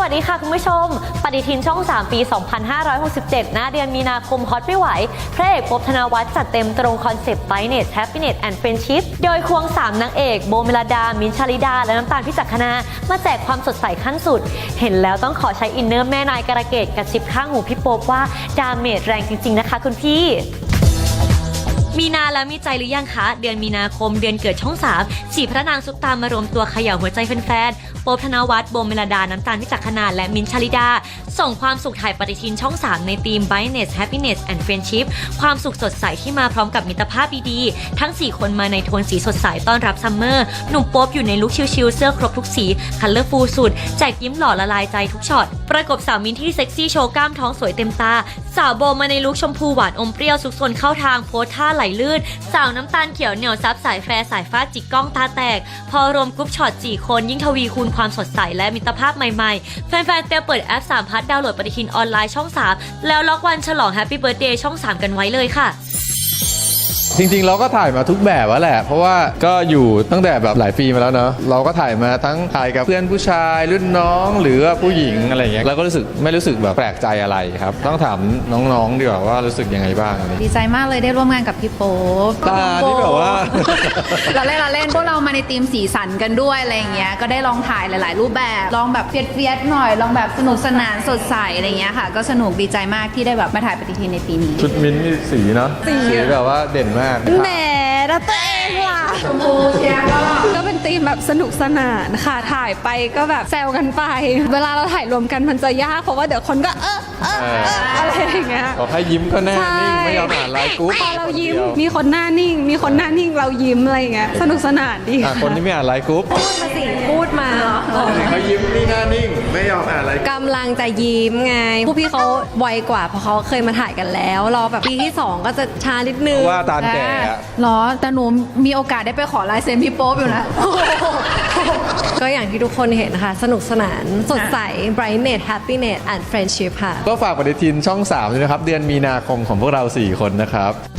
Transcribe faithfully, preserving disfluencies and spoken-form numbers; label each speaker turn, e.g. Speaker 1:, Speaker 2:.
Speaker 1: วัสดีค่ะคุณผู้ชมปฏิทินช่องสามปีสองพันห้าร้อยหกสิบเจ็ดหน้าเดือนมีนาคมฮอตไม่ไหวพระเอกภพธนวัฒน์จัดเต็มตรงคอนเซปต์ Brightness Happiness and Friendship โดยควงสามนางเอกโบเมลดามิ้นท์ชลิดาและน้ำตาลพิจักขณามาแจกความสดใสขั้นสุดเห็นแล้วต้องขอใช้อินเนอร์แม่นายการะเกดกระซิบข้างหูพี่โป๊ปว่าดาเมจแรงจริงๆนะคะคุณพี่มีนาแล้วมีใจหรือยังคะเดือนมีนาคมเดือนเกิดช่องสามสี่พระนางซุปตามมารวมตัวเขย่าหัวใจแฟนๆโป๊ปธนวัฒน์โบเมลดาน้ำตาลพิจักขณาและมิ้นท์ชลิดาส่งความสุขถ่ายปฏิทินช่องสามในธีม Brightness Happiness and Friendship ความสุขสดใสที่มาพร้อมกับมิตรภาพดีๆทั้งสี่คนมาในโทนสีสดใสต้อนรับซัมเมอร์หนุ่มโป๊ปอยู่ในลุคชิลๆเสื้อครบทุกสีคัลเลอร์ฟูลสุดแจกยิ้มหล่อละลายใจทุกช็อตประกบสาวมิ้นท์ที่เซ็กซี่โชว์กล้ามท้องสวยเต็มตาสาวโบมาในลุคชมพูหวานอมเปรี้ยวซุกซนเข้าทางโพสท่าไหลลื่นสาวน้ำตาลเขียวเหนียวซับสายแฟร์สายฟาดจิกกล้องตาแตกพอรวมกรุ๊ปช็อตสี่คนยิ่งทวีคูณความสดใสและมิตรภาพใหม่ๆแฟนๆเตรียมเปิดแอปสามพัทดาวน์โหลดปฏิทินออนไลน์ช่องสามแล้วล็อกวันฉลองแฮปปี้เบิร์ธเดย์ช่องสามกันไว้เลยค่ะ
Speaker 2: จริงๆเราก็ถ่ายมาทุกแบบแล้วแหละเพราะว่าก็อยู่ตั้งแต่แบบหลายปีมาแล้วเนาะเราก็ถ่ายมาทั้งถ่ายกับเพื่อนผู้ชายรุ่นน้องหรือว่าผู้หญิงอะไรอย่างเงี้ยเราก็รู้สึกไม่รู้สึกแบบแปลกใจอะไรครับต้องถามน้องๆดีกว่าว่ารู้สึกยังไงบ้าง
Speaker 3: ดีใจมากเลยได้ร่วมงานกับพี่โป๊ป
Speaker 2: ตาที่แบบว่า
Speaker 3: เราเล่นเราเล่นพวกเรามาในทีมสีสันกันด้วยอะไรอย่างเงี้ยก็ได้ลองถ่ายหลายๆรูปแบบลองแบบเฟียสๆหน่อยลองแบบสนุกสนานสดใสอะไรเงี้ยค่ะก็สนุกดีใจมากที่ได้แบบมาถ่ายปฏิทินในปีนี้
Speaker 2: ชุดมิ้นท์นี่สีเนาะสีแบบว่าเด่นมาก
Speaker 4: แหมแล้วตัวเองล่ะ
Speaker 3: ชมพูเชียร์ก็
Speaker 4: ก็เป็นธีมแบบสนุกสนานค่ะถ่ายไปก็แบบแซวกันไปเวลาเราถ่ายรวมกันมันจะยากเพราะว่าเดี๋ยวคนก็เออเออเอออะไรอย่างเงี้ย
Speaker 2: บอกให้ยิ้มก็แน่นิ่งไม่ยอมอ่านไลน์กรุ๊ป
Speaker 4: พอเรายิ้มมีคนหน้านิ่งมีคนหน้านิ่งเรายิ้มอะไรอย่างเงี้ยสนุกสนานดี
Speaker 2: คนที่ไม่อ่านไลน์กรุ๊ป
Speaker 4: พูดมาสิพูดมา
Speaker 2: เขายิ้มนี่หน้านิ่งไม่ยอมอ่านไลน์
Speaker 4: กำลังจะยิ้มไงผู้พี่เขาไวกว่าเพราะเขาเคยมาถ่ายกันแล้วรอแบบปีที่สองก็จะช้านิดนึง
Speaker 2: ว่าตาแก่
Speaker 3: หรอแต่หนูมีโอกาสได้ไปขอลายเซ็นพี่โป๊ปอยู่นะ
Speaker 4: ก็อย่างที่ทุกคนเห็นนะคะสนุกสนานสดใส Brightness Happiness and Friendship ค่ะ
Speaker 2: ก็ฝากปฏิทินช่องสามด้วยนะครับเดือนมีนาคมของพวกเราสี่คนนะครับ